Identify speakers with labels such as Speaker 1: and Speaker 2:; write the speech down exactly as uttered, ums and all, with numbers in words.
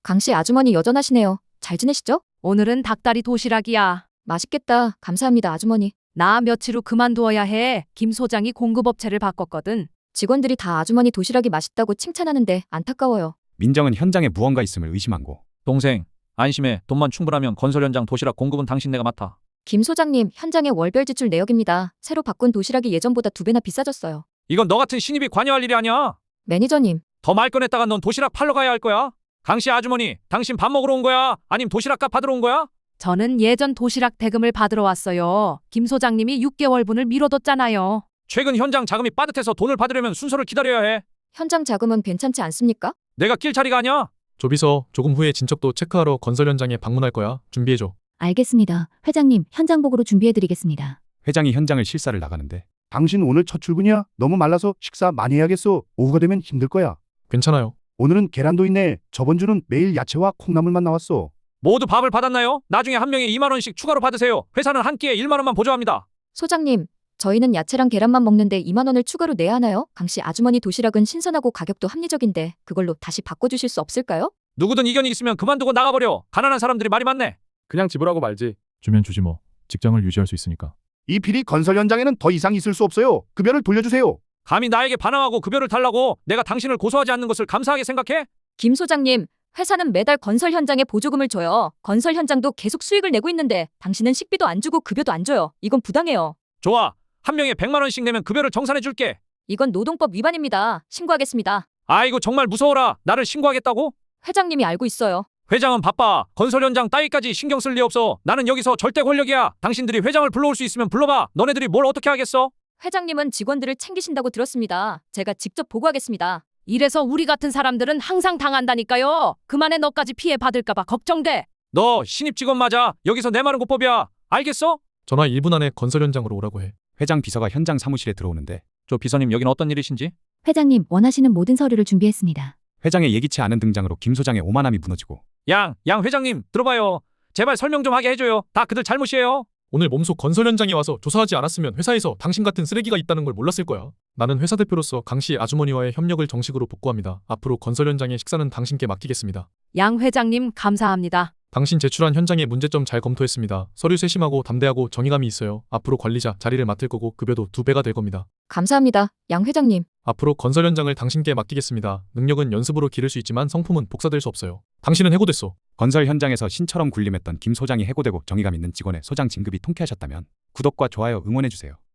Speaker 1: 강씨 아주머니 여전하시네요. 잘 지내시죠?
Speaker 2: 오늘은 닭다리 도시락이야.
Speaker 1: 맛있겠다. 감사합니다, 아주머니.
Speaker 2: 나 며칠 후 그만두어야 해. 김 소장이 공급업체를 바꿨거든.
Speaker 1: 직원들이 다 아주머니 도시락이 맛있다고 칭찬하는데 안타까워요.
Speaker 3: 민정은 현장에 무언가 있음을 의심한 고
Speaker 4: 동생, 안심해. 돈만 충분하면 건설 현장 도시락 공급은 당신 내가 맡아.
Speaker 1: 김 소장님, 현장의 월별 지출 내역입니다. 새로 바꾼 도시락이 예전보다 두 배나 비싸졌어요.
Speaker 4: 이건 너 같은 신입이 관여할 일이 아니야.
Speaker 1: 매니저님,
Speaker 4: 더 말 꺼냈다가 넌 도시락 팔러 가야 할 거야. 강씨 아주머니, 당신 밥 먹으러 온 거야? 아님 도시락값 받으러 온 거야?
Speaker 2: 저는 예전 도시락 대금을 받으러 왔어요. 김 소장님이 육 개월분을 미뤄뒀잖아요.
Speaker 4: 최근 현장 자금이 빠듯해서 돈을 받으려면 순서를 기다려야 해.
Speaker 1: 현장 자금은 괜찮지 않습니까?
Speaker 4: 내가 낄 자리가 아니야.
Speaker 5: 조비서, 조금 후에 진척도 체크하러 건설 현장에 방문할 거야. 준비해줘.
Speaker 6: 알겠습니다. 회장님, 현장 보고로 준비해드리겠습니다.
Speaker 3: 회장이 현장을 실사를 나가는데
Speaker 7: 당신 오늘 첫 출근이야? 너무 말라서 식사 많이 해야겠어. 오후가 되면 힘들 거야.
Speaker 5: 괜찮아요.
Speaker 7: 오늘은 계란도 있네. 저번 주는 매일 야채와 콩나물만 나왔어.
Speaker 4: 모두 밥을 받았나요? 나중에 한 명에 이만 원씩 추가로 받으세요. 회사는 한 끼에 일만 원만 보조합니다.
Speaker 1: 소장님, 저희는 야채랑 계란만 먹는데 이만 원을 추가로 내야 하나요? 강씨 아주머니 도시락은 신선하고 가격도 합리적인데 그걸로 다시 바꿔주실 수 없을까요?
Speaker 4: 누구든 이견이 있으면 그만두고 나가버려. 가난한 사람들이 말이 많네.
Speaker 5: 그냥 지불하고 말지. 주면 주지 뭐. 직장을 유지할 수 있으니까.
Speaker 7: 이 필이 건설 현장에는 더 이상 있을 수 없어요. 급여를 돌려주세요.
Speaker 4: 감히 나에게 반항하고 급여를 달라고. 내가 당신을 고소하지 않는 것을 감사하게 생각해?
Speaker 1: 김 소장님, 회사는 매달 건설 현장에 보조금을 줘요. 건설 현장도 계속 수익을 내고 있는데 당신은 식비도 안 주고 급여도 안 줘요. 이건 부당해요.
Speaker 4: 좋아. 한 명에 백만 원씩 내면 급여를 정산해 줄게.
Speaker 1: 이건 노동법 위반입니다. 신고하겠습니다.
Speaker 4: 아이고 정말 무서워라. 나를 신고하겠다고?
Speaker 1: 회장님이 알고 있어요.
Speaker 4: 회장은 바빠. 건설 현장 따위까지 신경 쓸 리 없어. 나는 여기서 절대 권력이야. 당신들이 회장을 불러올 수 있으면 불러봐. 너네들이 뭘 어떻게 하겠어?
Speaker 1: 회장님은 직원들을 챙기신다고 들었습니다. 제가 직접 보고하겠습니다.
Speaker 2: 이래서 우리 같은 사람들은 항상 당한다니까요. 그만해 너까지 피해 받을까봐 걱정돼.
Speaker 4: 너 신입 직원 맞아. 여기서 내 말은 곧법이야. 알겠어?
Speaker 5: 전화 일 분 안에 건설 현장으로 오라고 해.
Speaker 3: 회장 비서가 현장 사무실에 들어오는데
Speaker 4: 저 비서님 여긴 어떤 일이신지?
Speaker 6: 회장님, 원하시는 모든 서류를 준비했습니다.
Speaker 3: 회장의 예기치 않은 등장으로 김 소장의 오만함이 무너지고
Speaker 4: 양, 양 회장님 들어봐요. 제발 설명 좀 하게 해줘요. 다 그들 잘못이에요.
Speaker 5: 오늘 몸소 건설 현장에 와서 조사하지 않았으면 회사에서 당신 같은 쓰레기가 있다는 걸 몰랐을 거야. 나는 회사 대표로서 강씨 아주머니와의 협력을 정식으로 복구합니다. 앞으로 건설 현장의 식사는 당신께 맡기겠습니다.
Speaker 2: 양 회장님 감사합니다.
Speaker 5: 당신 제출한 현장의 문제점 잘 검토했습니다. 서류 세심하고 담대하고 정의감이 있어요. 앞으로 관리자 자리를 맡을 거고 급여도 두 배가 될 겁니다.
Speaker 1: 감사합니다. 양 회장님.
Speaker 5: 앞으로 건설 현장을 당신께 맡기겠습니다. 능력은 연습으로 기를 수 있지만 성품은 복사될 수 없어요. 당신은 해고됐어.
Speaker 3: 건설 현장에서 신처럼 군림했던 김 소장이 해고되고 정의감 있는 직원의 소장 진급이 통쾌하셨다면 구독과 좋아요 응원해주세요.